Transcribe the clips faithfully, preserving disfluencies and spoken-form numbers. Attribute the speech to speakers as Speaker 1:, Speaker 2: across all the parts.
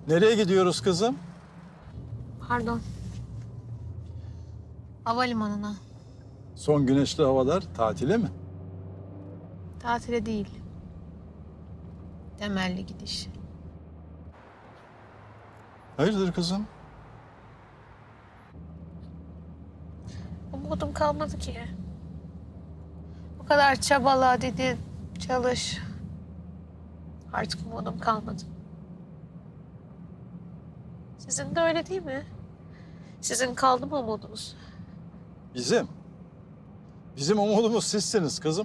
Speaker 1: Nereye gidiyoruz kızım?
Speaker 2: Pardon. Havalimanına.
Speaker 1: Son güneşli havalar tatile mi?
Speaker 2: Tatile değil. Temelli gidiş.
Speaker 1: Hayırdır kızım?
Speaker 2: Umudum kalmadı ki. Bu kadar çabala dedi, çalış. Artık umudum kalmadı. Sizin de öyle değil mi? Sizin kaldı mı umudunuz?
Speaker 1: Bizim. Bizim umudumuz sizsiniz kızım.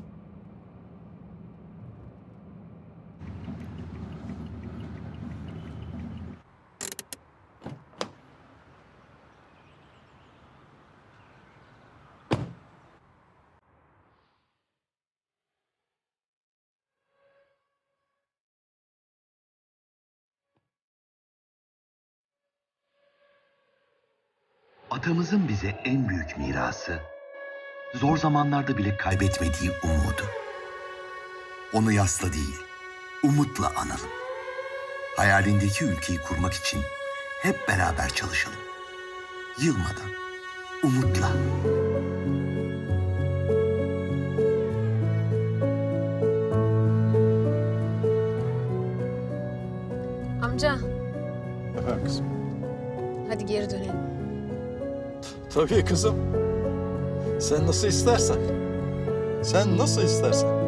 Speaker 3: Atamızın bize en büyük mirası, zor zamanlarda bile kaybetmediği umudu. Onu yasla değil, umutla analım. Hayalindeki ülkeyi kurmak için hep beraber çalışalım. Yılmadan, umutla.
Speaker 2: Amca,
Speaker 1: Efendim kızım.
Speaker 2: hadi geri dönelim.
Speaker 1: Tabii kızım. Sen nasıl istersen. Sen nasıl istersen.